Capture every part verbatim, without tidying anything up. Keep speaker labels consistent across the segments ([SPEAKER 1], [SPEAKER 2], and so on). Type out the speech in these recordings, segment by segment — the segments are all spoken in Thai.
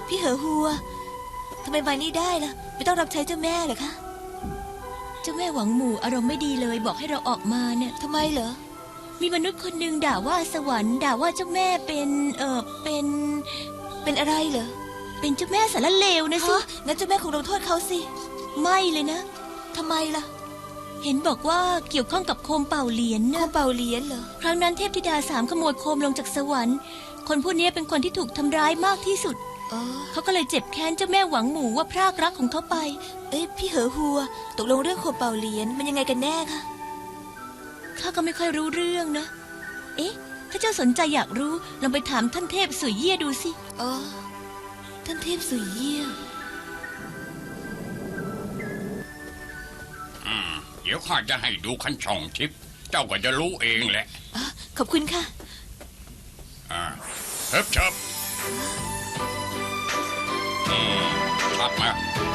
[SPEAKER 1] พี่เหอหัวทำไมมานี่ได้ล่ะไม่ต้องรับใช้เจ้าแม่เหรอคะ
[SPEAKER 2] เจ้าแม่หวังหมู่อารมณ์ไม่ดีเลยบอกให้เราออกมาเนี่ย
[SPEAKER 1] ทำไมเหรอ
[SPEAKER 2] มีมนุษย์คนหนึ่งด่าว่าสวรรค์ด่าว่าเจ้าแม่เป็นเออเป็น
[SPEAKER 1] เป็นอะไรเหรอ
[SPEAKER 2] เป็นเจ้าแม่สารเลวนะสิ
[SPEAKER 1] งั้นเจ้าแม่คงลงโทษเขาสิ
[SPEAKER 2] ไม่เลยนะ
[SPEAKER 1] ทำไมล่ะ
[SPEAKER 2] เห็นบอกว่าเกี่ยวข้องกับโคมเป่าเหรียญนะ
[SPEAKER 1] โคมเป่าเหรียญเหรอ
[SPEAKER 2] ครั้งนั้นเทพธิดาสามขโมยโคมลงจากสวรรค์คนผู้นี้เป็นคนที่ถูกทำร้ายมากที่สุดเขาก็เลยเจ็บแค้นเจ้าแม่หวังหมู่ว่าพรากรักของเขาไป
[SPEAKER 1] เอ้ยพี่เหอหัวตกลงเรื่องโคมเป่าเหรียญมันยังไงกันแน่คะ
[SPEAKER 2] ข้าก็ไม่ค่อยรู้เรื่องนะเอ๊ะถ้าเจ้าสนใจอยากรู้ลองไปถามท่านเทพสุยเยี่ยดูสิ
[SPEAKER 1] อ๋อท่านเทพสุยเยี่ย
[SPEAKER 3] อืมเดี๋ยวข้าจะให้ดูขันช่องทิพย์เจ้าก็จะรู้เองแหละ
[SPEAKER 1] อ๋อขอบคุณค่ะ
[SPEAKER 3] อ่าเชิบเชิบอืมชัดนะ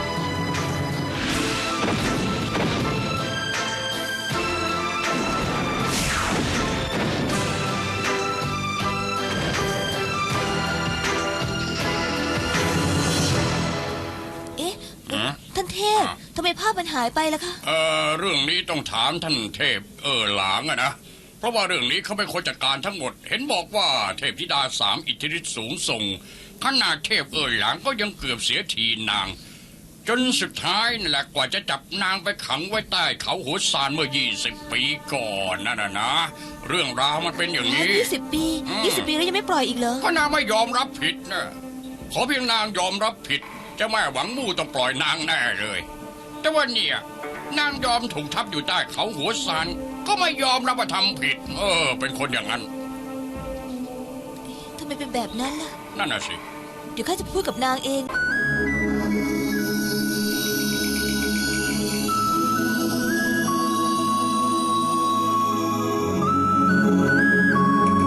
[SPEAKER 1] ท่านเทพทำไมภาพมันหายไปล่ะคะ
[SPEAKER 3] เออเรื่องนี้ต้องถามท่านเทพเออหลางอะนะเพราะว่าเรื่องนี้เขาเป็นคนจัดการทั้งหมดเห็นบอกว่าเทพธิดาสามอิทธิฤทธิ์สูงส่งขนาดเทพเออหลางก็ยังเกือบเสียทีนางจนสุดท้ายนั่นแหละกว่าจะจับนางไปขังไว้ใต้เขาหัวซานเมื่อยี่สิบปีก่อนนั่นนะนะเรื่องราวมันเป็นอย่างนี้
[SPEAKER 1] ยี่สิบปียี่สิบปีแล้วยังไม่ปล่อยอีกเหรอ
[SPEAKER 3] ก็นางไม่ยอมรับผิดนะขอเพียงนางยอมรับผิดเจ้าแม่หวังมู่ต้องปล่อยนางแน่เลยแต่ว่าเนี่ยนางยอมถูกทับอยู่ใต้เขาหัวซานก็ไม่ยอมรับว่าทำผิดเออเป็นคนอย่างนั้น
[SPEAKER 1] ทำไมเป็นแบบนั้นล่ะ
[SPEAKER 3] นั่นน่ะสิ
[SPEAKER 1] เดี๋ยวข้าจะพูดกับนางเอง